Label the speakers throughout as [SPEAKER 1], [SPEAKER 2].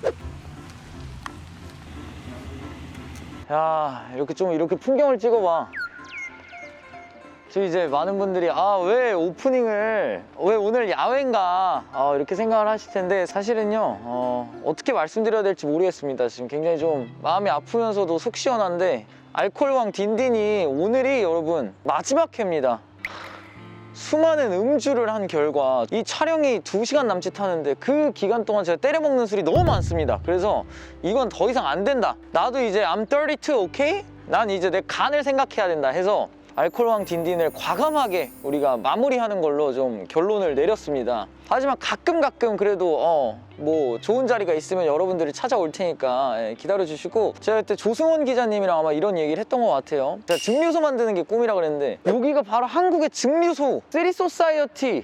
[SPEAKER 1] 야, 이렇게 풍경을 찍어봐. 저 이제 많은 분들이 왜 오프닝을 왜 오늘 야외인가 이렇게 생각을 하실 텐데 사실은요 어떻게 말씀드려야 될지 모르겠습니다. 지금 굉장히 좀 마음이 아프면서도 속 시원한데 알코올왕 딘딘이 오늘이 여러분 마지막 회입니다. 수많은 음주를 한 결과 이 촬영이 2시간 남짓 하는데 그 기간 동안 제가 때려먹는 술이 너무 많습니다. 그래서 이건 더 이상 안 된다. 나도 이제 I'm 32, 오케이? 난 이제 내 간을 생각해야 된다 해서 알코올왕 딘딘을 과감하게 우리가 마무리하는 걸로 좀 결론을 내렸습니다. 하지만 가끔 그래도 뭐 좋은 자리가 있으면 여러분들이 찾아올 테니까 기다려주시고, 제가 그때 조승원 기자님이랑 아마 이런 얘기를 했던 것 같아요. 제가 증류소 만드는 게 꿈이라 그랬는데 여기가 바로 한국의 증류소 쓰리 소사이어티.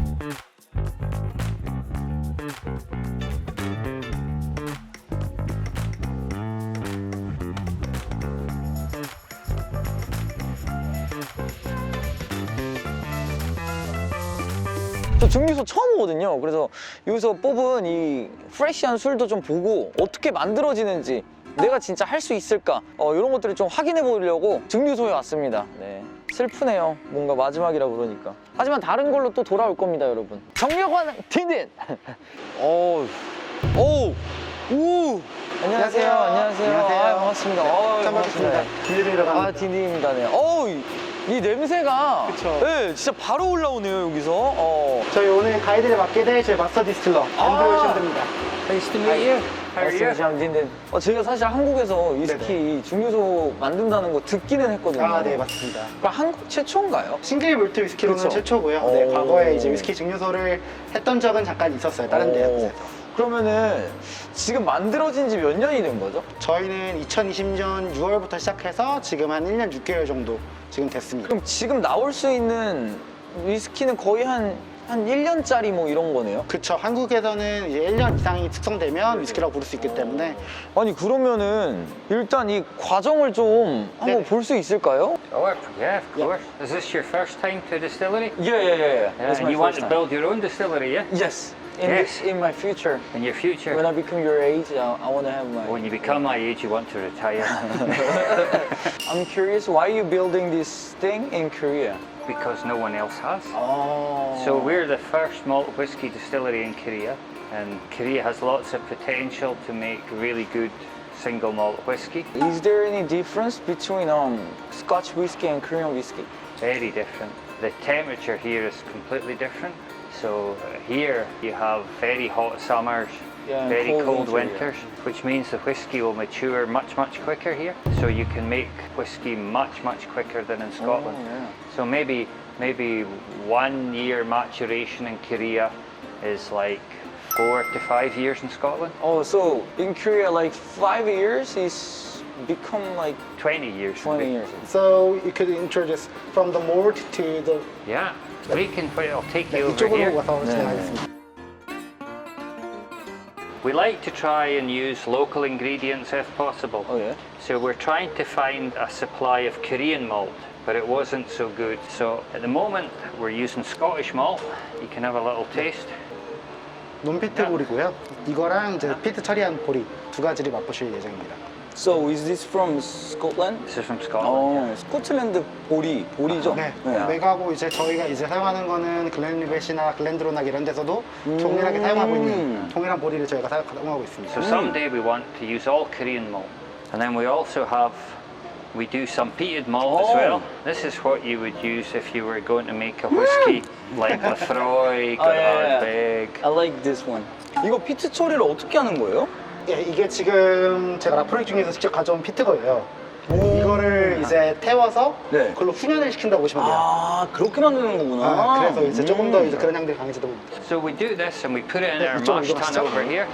[SPEAKER 1] 저 증류소 처음 오거든요. 그래서 여기서 뽑은 이 프레시한 술도 좀 보고 어떻게 만들어지는지 내가 진짜 할 수 있을까 이런 것들을 좀 확인해 보려고 증류소에 왔습니다. 네. 슬프네요. 뭔가 마지막이라 그러니까. 하지만 다른 걸로 또 돌아올 겁니다, 여러분. 정력원 딘딘. 오. 안녕하세요.
[SPEAKER 2] 안녕하세요.
[SPEAKER 1] 반갑습니다.
[SPEAKER 2] 처음 뵙겠습니다. 딘딘이라고 합니다.
[SPEAKER 1] 딘딘입니다. 네. 이 냄새가
[SPEAKER 2] 그쵸.
[SPEAKER 1] 네, 진짜 바로 올라오네요, 여기서.
[SPEAKER 2] 저희 오늘 가이드를 맡게 될 저희 마스터 디스틸러 앤드류 샌드입니다.
[SPEAKER 1] Nice to meet you. 딘딘. 제가 사실 한국에서 위스키 증류소 만든다는 거 듣기는 했거든요.
[SPEAKER 2] 네, 맞습니다.
[SPEAKER 1] 그럼 한국 최초인가요?
[SPEAKER 2] 싱글 몰트 위스키로는
[SPEAKER 1] 그쵸.
[SPEAKER 2] 최초고요.
[SPEAKER 1] 오.
[SPEAKER 2] 네, 과거에 이제 위스키 증류소를 했던 적은 잠깐 있었어요. 다른 데에서.
[SPEAKER 1] 그러면은 지금 만들어진 지 몇 년이 된 거죠?
[SPEAKER 2] 저희는 2020년 6월부터 시작해서 지금 한 1년 6개월 정도 지금 됐습니다.
[SPEAKER 1] 그럼 지금 나올 수 있는 위스키는 거의 한 1년짜리 뭐 이런 거네요?
[SPEAKER 2] 그쵸. 한국에서는 이제 1년 이상이 숙성되면 위스키라고 부를 수 있기 때문에.
[SPEAKER 1] 아니 그러면은 일단 이 과정을 좀 한번
[SPEAKER 2] 네.
[SPEAKER 1] 볼 수 있을까요?
[SPEAKER 3] Sure, yeah, of course. Is this your first time to a distillery?
[SPEAKER 1] Yeah. It's my
[SPEAKER 3] And you want
[SPEAKER 1] first
[SPEAKER 3] to
[SPEAKER 1] time.
[SPEAKER 3] build your own distillery, yeah?
[SPEAKER 1] Yes.
[SPEAKER 3] Yes.
[SPEAKER 1] In my future,
[SPEAKER 3] In your future,
[SPEAKER 1] when I become your age, I want to have my.
[SPEAKER 3] when you become my age, you want to retire.
[SPEAKER 1] I'm curious, why are you building this thing in Korea?
[SPEAKER 3] Because no one else has.
[SPEAKER 1] Oh.
[SPEAKER 3] So we're the first malt whiskey distillery in Korea, and Korea has lots of potential to make really good single malt whiskey.
[SPEAKER 1] Is there any difference between Scotch whiskey and Korean whiskey?
[SPEAKER 3] Very different. The temperature here is completely different. So here you have very hot summers,
[SPEAKER 1] Yeah,
[SPEAKER 3] very
[SPEAKER 1] cold
[SPEAKER 3] cold
[SPEAKER 1] winter,
[SPEAKER 3] winters, which means the whiskey will mature much quicker here. So you can make whiskey much quicker than in Scotland.
[SPEAKER 1] yeah.
[SPEAKER 3] So maybe 1 year maturation in Korea is like 4 to 5 years in Scotland.
[SPEAKER 1] Oh, so in Korea, like 5 years is become like
[SPEAKER 3] 20 years.
[SPEAKER 1] 20
[SPEAKER 3] maybe.
[SPEAKER 1] years.
[SPEAKER 2] So you could introduce from the malt to the
[SPEAKER 3] Yeah, we can. I'll take you over
[SPEAKER 2] 이쪽으로
[SPEAKER 3] here.
[SPEAKER 2] 와서
[SPEAKER 1] 네.
[SPEAKER 2] 진행하겠습니다.
[SPEAKER 3] We like to try and use local ingredients if possible.
[SPEAKER 1] Oh yeah.
[SPEAKER 3] So we're trying to find a supply of Korean malt, but it wasn't so good. So at the moment we're using Scottish malt. You can have a little taste.
[SPEAKER 2] 논피트 볼이고요. 이거랑 이제 피트 처리한 보리 두 가지를 맛보실 예정입니다.
[SPEAKER 1] So is this from Scotland?
[SPEAKER 3] This is from Scotland.
[SPEAKER 1] 스코틀랜드 보리죠?
[SPEAKER 2] 네, 맥하고 이제 저희가 이제 사용하는 거는 글렌리벳이나 글렌드로낙 이런 데서도 동일하게 사용하고 있는 동일한 보리를 저희가 사용하고 있습니다.
[SPEAKER 3] So someday we want to use all Korean malt. And then we also have, we do some peated malt as well. This is what you would use if you were going to make a whiskey like Lefroy, Ardbeg.
[SPEAKER 1] I like this one. 이거 피트 처리를 어떻게 하는 거예요?
[SPEAKER 2] 예, 이게 지금 제가 라프로이 중에서 직접 가져온 피트거예요. 이거를 이제 태워서
[SPEAKER 1] 네.
[SPEAKER 2] 그걸로 훈연을 시킨다고 보시면 돼요.
[SPEAKER 1] 아, 그렇게 만드는 거구나.
[SPEAKER 2] 그래서 이제 조금 더 이제 그런 향들이 강해지다 봅니다.
[SPEAKER 3] So we do this and we put it in
[SPEAKER 2] 네,
[SPEAKER 3] our
[SPEAKER 2] 이쪽으로
[SPEAKER 3] mash tun
[SPEAKER 2] 이동하시죠.
[SPEAKER 3] over here.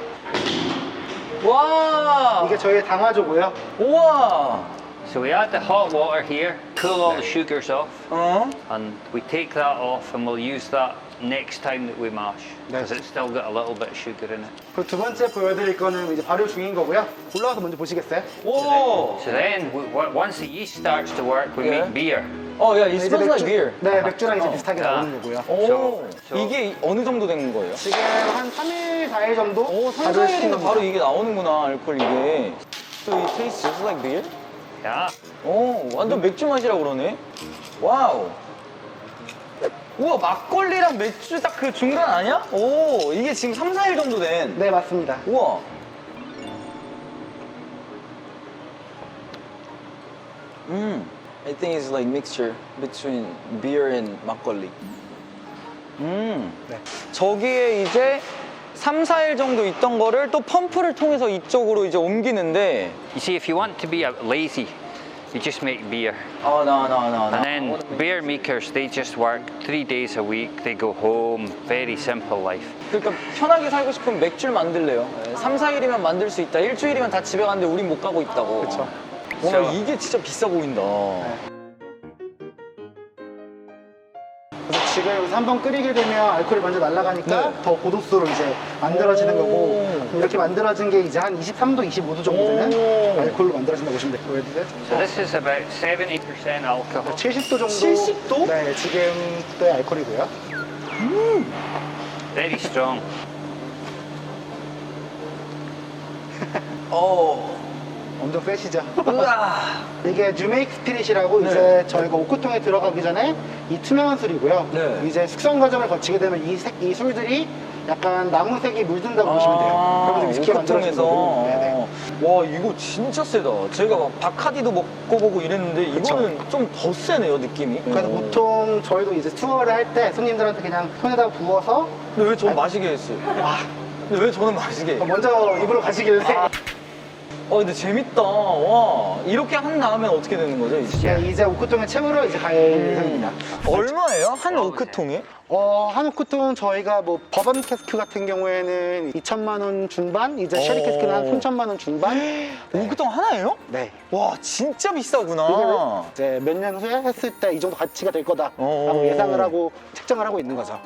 [SPEAKER 1] 와!
[SPEAKER 2] 이게 저희의 당화조고요.
[SPEAKER 1] 우와!
[SPEAKER 3] So we add the hot water here, cool all the sugars off, and we take that off and we'll use that next time that we mash because it's still got a little bit of sugar in it.
[SPEAKER 2] 그리고 두 번째 보여드릴 거는 이제 발효 중인 거고요. 올라와서 먼저 보시겠어요?
[SPEAKER 1] 오!
[SPEAKER 3] So then, once the yeast starts to work, we
[SPEAKER 1] Yeah.
[SPEAKER 3] make beer.
[SPEAKER 1] 어, 야, it
[SPEAKER 2] 이제
[SPEAKER 1] smells like beer.
[SPEAKER 2] 네, 맥주랑 이제 비슷하게 나오는 거고요.
[SPEAKER 1] 오,
[SPEAKER 3] So-
[SPEAKER 1] 이게 어느 정도 된 거예요?
[SPEAKER 2] 지금 한 3일, 4일 정도
[SPEAKER 1] 오, 3,
[SPEAKER 2] 발효를 시킨
[SPEAKER 1] 4일이면
[SPEAKER 2] 겁니다.
[SPEAKER 1] 바로 이게 나오는구나, 알코올 이게. So it tastes just like beer?
[SPEAKER 3] Yeah.
[SPEAKER 1] 오, 완전 맥주 맛이라고 그러네. 와우. 우와, 막걸리랑 맥주 딱 그 중간 아니야? 오, 이게 지금 3, 4일 정도 된.
[SPEAKER 2] 네, 맞습니다.
[SPEAKER 1] 우와. I think it's like mixture between beer and 막걸리.
[SPEAKER 2] 네.
[SPEAKER 1] 저기에 이제 3, 4일 정도 있던 거를 또 펌프를 통해서 이쪽으로 이제 옮기는데
[SPEAKER 3] You see, if you want to be lazy, you just make beer.
[SPEAKER 1] 아, 나.
[SPEAKER 3] And then beer makers, they just work 3 days a week. They go home. Very simple life.
[SPEAKER 1] 그러니까 편하게 살고 싶으면 맥주를 만들래요. 3, 4일이면 만들 수 있다. 일주일이면 다 집에 가는데 우린 못 가고 있다고.
[SPEAKER 2] 그쵸.
[SPEAKER 1] 와,
[SPEAKER 3] So-
[SPEAKER 1] 이게 진짜 비싸 보인다.
[SPEAKER 2] 그래서 지금 여기서 한번 끓이게 되면 알코올이 먼저 날아가니까
[SPEAKER 1] 네.
[SPEAKER 2] 더 고도수로 이제 만들어지는
[SPEAKER 1] 오.
[SPEAKER 2] 거고 이렇게 만들어진 게 이제 한 23도, 25도 정도 되는
[SPEAKER 1] 오.
[SPEAKER 2] 알코올로 만들어진다고 보시면 돼요. 보여드릴까요?
[SPEAKER 3] So this is about 70% alcohol.
[SPEAKER 2] 70도 정도.
[SPEAKER 1] 70도?
[SPEAKER 2] 네, 지금도의 알코올이고요.
[SPEAKER 3] Very strong.
[SPEAKER 2] 엄청 세시죠?
[SPEAKER 1] 으아.
[SPEAKER 2] 이게 뉴메이크 스피릿이라고
[SPEAKER 1] 네.
[SPEAKER 2] 이제 저희가 오크통에 들어가기 전에 이 투명한 술이고요.
[SPEAKER 1] 네.
[SPEAKER 2] 이제 숙성 과정을 거치게 되면 이 술들이 약간 나무색이 물든다고 보시면 돼요. 그러면서 위스키가 만들어지는
[SPEAKER 1] 오크통에서.
[SPEAKER 2] 거고. 네네.
[SPEAKER 1] 와, 이거 진짜 세다. 제가 막 바카디도 먹고 보고 이랬는데 이거는 좀 더 세네요, 느낌이.
[SPEAKER 2] 그래서 보통 저희도 이제 투어를 할 때 손님들한테 그냥 손에다 부어서
[SPEAKER 1] 근데 왜 저는 마시게 했어요? 근데 왜 저는 마시게?
[SPEAKER 2] 먼저 입으로 가시길래
[SPEAKER 1] 근데 재밌다. 와, 이렇게 한 다음에 어떻게 되는 거죠, 이제?
[SPEAKER 2] 네, 이제 오크통에 채우러 이제 갈 예정입니다.
[SPEAKER 1] 얼마예요? 한 오크통에?
[SPEAKER 2] 한 오크통 저희가 뭐 버번 캐스크 같은 경우에는 2천만 원 중반, 이제 쉐리
[SPEAKER 1] 오.
[SPEAKER 2] 캐스크는 한 3천만 원 중반.
[SPEAKER 1] 오크통 하나예요?
[SPEAKER 2] 네.
[SPEAKER 1] 와, 진짜
[SPEAKER 2] 이게
[SPEAKER 1] 비싸구나.
[SPEAKER 2] 이제 몇 년 후에 했을 때 이 정도 가치가 될 거다라고
[SPEAKER 1] 오.
[SPEAKER 2] 예상을 하고 책정을 하고 있는 거죠.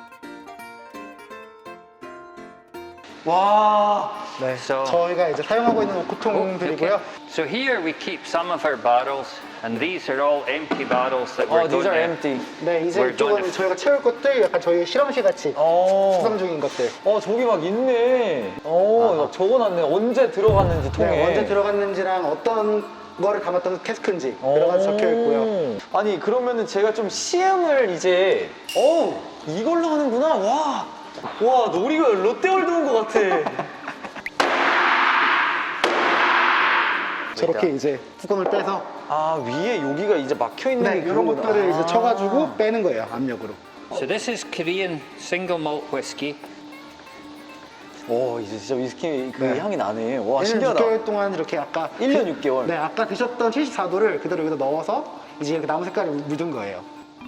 [SPEAKER 1] 와.
[SPEAKER 2] 네.
[SPEAKER 3] So-
[SPEAKER 2] 저희가 이제 사용하고 있는 오크통들이고요.
[SPEAKER 3] So here we keep some of our barrels, and these are all empty barrels that we're
[SPEAKER 1] these
[SPEAKER 3] going
[SPEAKER 1] are
[SPEAKER 3] to.
[SPEAKER 1] empty.
[SPEAKER 2] 네, 이제
[SPEAKER 3] We're
[SPEAKER 2] 이쪽은
[SPEAKER 3] going to-
[SPEAKER 2] 저희가 채울 것들 약간 저희 실험실 같이 수상 중인 것들.
[SPEAKER 1] 저기 막 있네. 막 적어놨네. 언제 들어갔는지 통에.
[SPEAKER 2] 네, 언제 들어갔는지랑 어떤 거를 담았던 캐스크인지 들어가서 적혀 있고요.
[SPEAKER 1] 아니, 그러면은 제가 좀 시음을 이제, 이걸로 하는구나. 와, 놀이가 롯데월드 온 것 같아.
[SPEAKER 2] 저렇게 이제 뚜껑을 빼서
[SPEAKER 1] 위에 여기가 이제 막혀 있는
[SPEAKER 2] 네,
[SPEAKER 1] 게
[SPEAKER 2] 이런
[SPEAKER 1] 그거구나.
[SPEAKER 2] 것들을 이제 쳐가지고 빼는 거예요, 압력으로.
[SPEAKER 3] So this is Korean single malt whiskey.
[SPEAKER 1] 이제 진짜 위스키 그
[SPEAKER 2] 네.
[SPEAKER 1] 향이 나네. 와,
[SPEAKER 2] 1년
[SPEAKER 1] 신기하다.
[SPEAKER 2] 6개월 동안 이렇게 아까
[SPEAKER 1] 1년 6개월.
[SPEAKER 2] 네, 아까 드셨던 74도를 그대로 여기다 넣어서 이제 이렇게 나무 색깔을 묻은 거예요.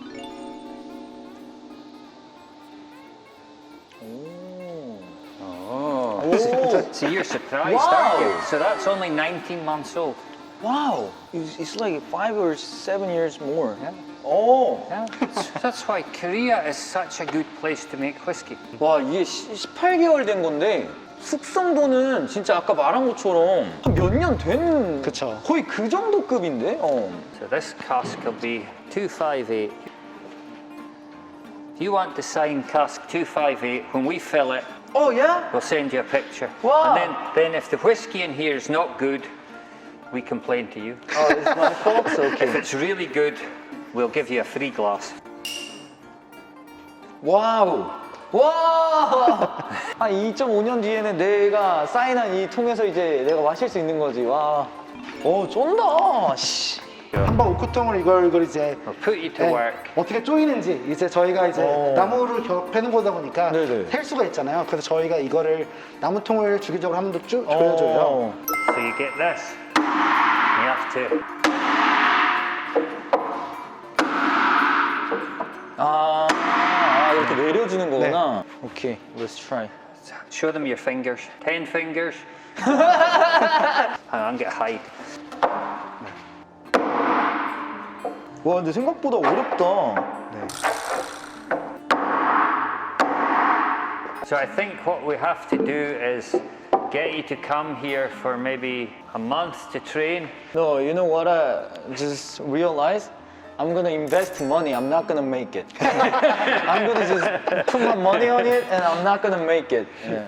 [SPEAKER 3] So you're surprised,
[SPEAKER 1] Wow.
[SPEAKER 3] aren't you? So that's only 19 months old.
[SPEAKER 1] Wow, it's like 5 or 7 years more.
[SPEAKER 3] Yeah.
[SPEAKER 1] 와,
[SPEAKER 3] That's why Korea is such a good place to make whiskey.
[SPEAKER 1] 이게 18개월 된 건데 숙성도는 진짜 아까 말한 것처럼 한 몇 년 된
[SPEAKER 2] 그쵸.
[SPEAKER 1] 거의 그 정도 급인데?
[SPEAKER 3] So this cask will be 258. If you want to sign cask 258, when we fill it,
[SPEAKER 1] yeah?
[SPEAKER 3] we'll send you a picture.
[SPEAKER 1] Wow.
[SPEAKER 3] And then if the whiskey in here is not good, we complain to you.
[SPEAKER 1] It's my fault, so
[SPEAKER 3] If
[SPEAKER 1] okay.
[SPEAKER 3] it's really good, we'll give you a free glass.
[SPEAKER 1] 와우. 와! 한 2.5년 뒤에는 내가 사인한 이 통에서 이제 내가 마실 수 있는 거지. 와. 쫀다. 씨.
[SPEAKER 2] 한번 오크통을 이걸 이제
[SPEAKER 3] We'll put you to
[SPEAKER 2] 네,
[SPEAKER 3] work.
[SPEAKER 2] 어떻게 쪼이는지 이제 저희가 이제 나무를 패는 거다 보니까
[SPEAKER 1] 네네.
[SPEAKER 2] 셀 수가 있잖아요. 그래서 저희가 이거를 나무통을 주기적으로 한 번 더 쭉 조여줘요.
[SPEAKER 3] So you get this. You have to.
[SPEAKER 1] 이렇게 내려주는 거구나. 오케이, let's try.
[SPEAKER 3] Show them your fingers. 10 fingers. Hang on, get hide.
[SPEAKER 1] 와, 근데 생각보다 어렵다.
[SPEAKER 2] 네.
[SPEAKER 3] So I think what we have to do is get you to come here for maybe a month to train.
[SPEAKER 1] No, you know what I just realized? I'm gonna invest money. I'm not gonna make it. I'm gonna just put my money on it, and I'm not gonna make it. Yeah.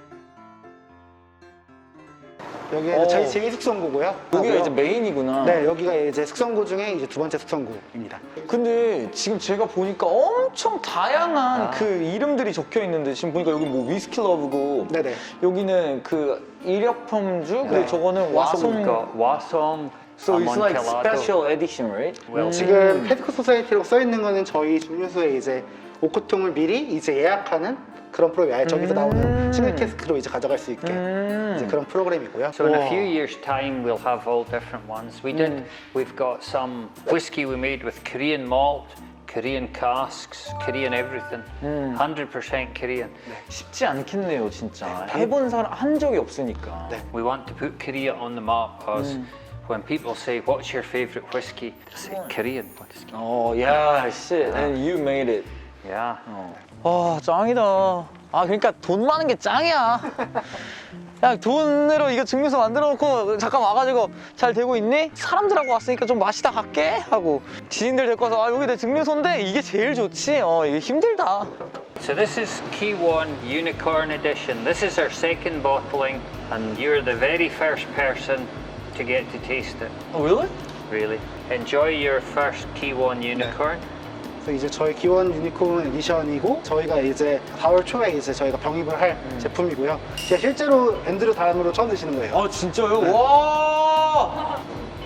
[SPEAKER 2] 여기는 저희 제2숙성구고요.
[SPEAKER 1] 여기가 이제 메인이구나.
[SPEAKER 2] 네, 여기가 이제 숙성구 중에 이제 두 번째 숙성구입니다.
[SPEAKER 1] 근데 지금 제가 보니까 엄청 다양한 그 이름들이 적혀 있는데 지금 보니까 여기 뭐 위스키 러브고
[SPEAKER 2] 네네.
[SPEAKER 1] 여기는 그 일약품주 그리고
[SPEAKER 2] 네.
[SPEAKER 1] 저거는
[SPEAKER 3] We've
[SPEAKER 1] 와송.
[SPEAKER 3] got Wasong,
[SPEAKER 1] So it's like
[SPEAKER 3] Amontillado.
[SPEAKER 1] special edition, right?
[SPEAKER 3] Well,
[SPEAKER 2] 지금 헤드코 소사이티라고 써 있는 거는 저희 증류소에 이제 오크통을 미리 이제 예약하는 그런 프로그램. 저기서 나오는 싱글 캐스크로 이제 가져갈 수 있게 이제 그런 프로그램이고요.
[SPEAKER 3] So in a few years' time, we'll have all different ones. We've got some whiskey we made with Korean malt, Korean casks, Korean everything. 100% Korean.
[SPEAKER 1] 쉽지 않겠네요, 진짜. 해본 사람 한 적이 없으니까.
[SPEAKER 2] 네.
[SPEAKER 3] We want to put Korea on the map because when people say, "What's your favorite whiskey?" they say Korean whiskey.
[SPEAKER 1] Oh, yeah, shit. And you made it.
[SPEAKER 3] Yeah.
[SPEAKER 1] 아, 짱이다. 아, 그러니까 돈 많은 게 짱이야. 야, 돈으로 이거 증류소 만들어 놓고 잠깐 와가지고 잘 되고 있니? 사람들하고 왔으니까 좀 마시다 갈게 하고 지인들 데리고 와서 아, 여기 내 증류소인데 이게 제일 좋지. 이게 힘들다.
[SPEAKER 3] So this is Kiwon Unicorn Edition. This is our second bottling, and you're the very first person to get to taste it.
[SPEAKER 1] Oh, really?
[SPEAKER 3] Really. Enjoy your first Kiwon Unicorn.
[SPEAKER 2] 그래서 이제 저희 기원 유니콘 에디션이고 저희가 이제 4월 초에 이제 저희가 병입을 할 제품이고요. 제가 실제로 앤드류 다음으로 처음 드시는 거예요.
[SPEAKER 1] 아, 진짜요? 와!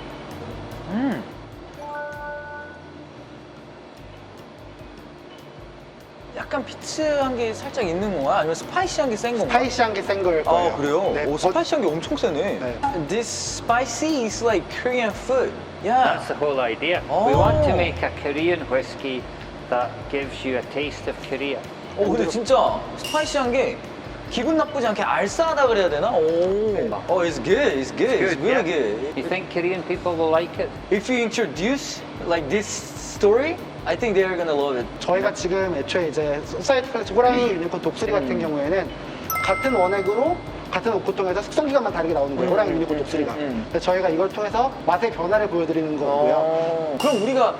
[SPEAKER 1] 약간 피치한 게 살짝 있는 건가요? 아니면 스파이시한 게 센 건가요?
[SPEAKER 2] 스파이시한 게 센 거일 거예요.
[SPEAKER 1] 아, 그래요?
[SPEAKER 2] 네,
[SPEAKER 1] 오, 스파이시한 게 엄청 세네.
[SPEAKER 2] 네.
[SPEAKER 1] This spicy is like Korean food. Yeah.
[SPEAKER 3] That's the whole idea. We want to make a Korean whiskey that gives you a taste of Korea.
[SPEAKER 1] 근데 진짜 스파이시한 게 기분 나쁘지 않게 알싸하다 그래야 되나? It's good. It's good. It's really
[SPEAKER 3] yeah.
[SPEAKER 1] good.
[SPEAKER 3] You think Korean people will like it?
[SPEAKER 1] If you introduce like this story, I think they're gonna love it.
[SPEAKER 2] 저희가 지금 애초에 이제 소사이티 컬렉션 호랑이 유니콘 독수리 같은 경우에는 같은 원액으로 같은 오크통에서 숙성 기간만 다르게 나오는 거예요. 호랑이 유니콘 독수리가. 그래서 저희가 이걸 통해서 맛의 변화를 보여드리는 거고요.
[SPEAKER 1] 그럼 우리가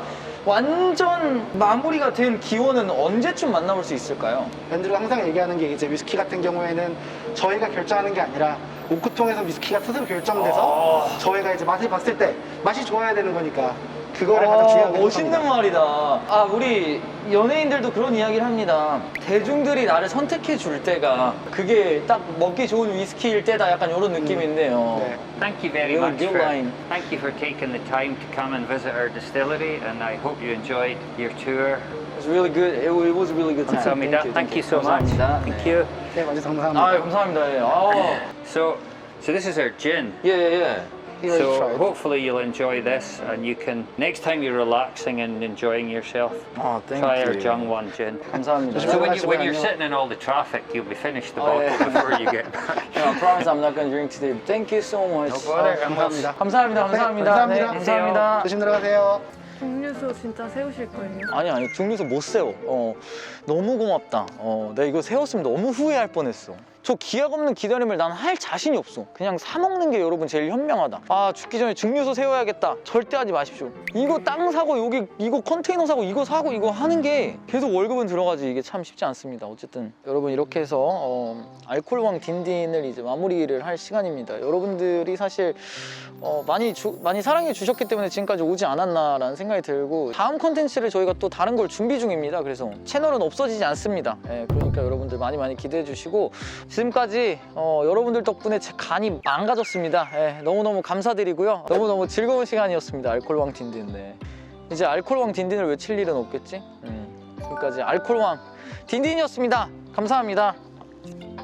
[SPEAKER 1] 완전 마무리가 된 기원은 언제쯤 만나볼 수 있을까요?
[SPEAKER 2] 앤드류가 항상 얘기하는 게 이제 위스키 같은 경우에는 저희가 결정하는 게 아니라 오크통에서 위스키가 스스로 결정돼서 저희가 이제 맛을 봤을 때 맛이 좋아야 되는 거니까 그거를 가장 중요하게
[SPEAKER 1] 멋있는
[SPEAKER 2] 생각합니다.
[SPEAKER 1] 말이다. 아, 우리 연예인들도 그런 이야기를 합니다. 대중들이 나를 선택해 줄 때가 그게 딱 먹기 좋은 위스키일 때다. 약간 이런 느낌인데요.
[SPEAKER 2] 네.
[SPEAKER 3] Thank you very
[SPEAKER 1] Really
[SPEAKER 3] much
[SPEAKER 1] good line.
[SPEAKER 3] thank you for taking the time to come and visit our distillery, and I hope you enjoyed your tour.
[SPEAKER 1] It was really good. It was a really good time.
[SPEAKER 3] 감사합니다. Thank you so much.
[SPEAKER 1] 감사합니다.
[SPEAKER 3] Thank
[SPEAKER 1] 네.
[SPEAKER 3] you.
[SPEAKER 2] 네, 먼저 감사합니다.
[SPEAKER 1] 아, 감사합니다. 예.
[SPEAKER 3] So this is our gin.
[SPEAKER 1] 예.
[SPEAKER 2] Here,
[SPEAKER 3] So
[SPEAKER 2] try it.
[SPEAKER 3] hopefully you'll enjoy this, and you can next time you're relaxing and enjoying yourself,
[SPEAKER 1] thank
[SPEAKER 3] try our
[SPEAKER 1] you.
[SPEAKER 3] Jungwon gin.
[SPEAKER 1] 감사합니다.
[SPEAKER 3] So when you're
[SPEAKER 2] 하시고요.
[SPEAKER 3] sitting in all the traffic, you'll be finished the
[SPEAKER 1] Oh,
[SPEAKER 3] bottle
[SPEAKER 1] yeah.
[SPEAKER 3] before you get back.
[SPEAKER 1] I promise I'm not going to drink today. Thank you so much.
[SPEAKER 3] No bother.
[SPEAKER 2] 감사합니다.
[SPEAKER 1] 감사합니다. 감사합니다. 네,
[SPEAKER 2] 감사합니다.
[SPEAKER 1] 감사합니다.
[SPEAKER 2] 조심 들어가세요.
[SPEAKER 4] 증류소 진짜 세우실 거예요?
[SPEAKER 1] 아니 증류소 못 세워. 너무 고맙다. 내가 이거 세웠으면 너무 후회할 뻔했어. 저 기약 없는 기다림을 난 할 자신이 없어. 그냥 사 먹는 게 여러분 제일 현명하다. 아, 죽기 전에 증류소 세워야겠다. 절대 하지 마십시오. 이거 땅 사고 여기 이거 컨테이너 사고 이거 사고 이거 하는 게 계속 월급은 들어가지 이게 참 쉽지 않습니다. 어쨌든 여러분 이렇게 해서 알코올왕 딘딘을 이제 마무리를 할 시간입니다. 여러분들이 사실 많이 사랑해 주셨기 때문에 지금까지 오지 않았나라는 생각이 들고 다음 컨텐츠를 저희가 또 다른 걸 준비 중입니다. 그래서 채널은 없어지지 않습니다. 그러니까 여러분들 많이 기대해 주시고 지금까지 여러분들 덕분에 제 간이 망가졌습니다. 너무너무 감사드리고요. 너무너무 즐거운 시간이었습니다. 알코올왕 딘딘. 네. 이제 알코올왕 딘딘을 외칠 일은 없겠지? 지금까지 알코올왕 딘딘이었습니다. 감사합니다.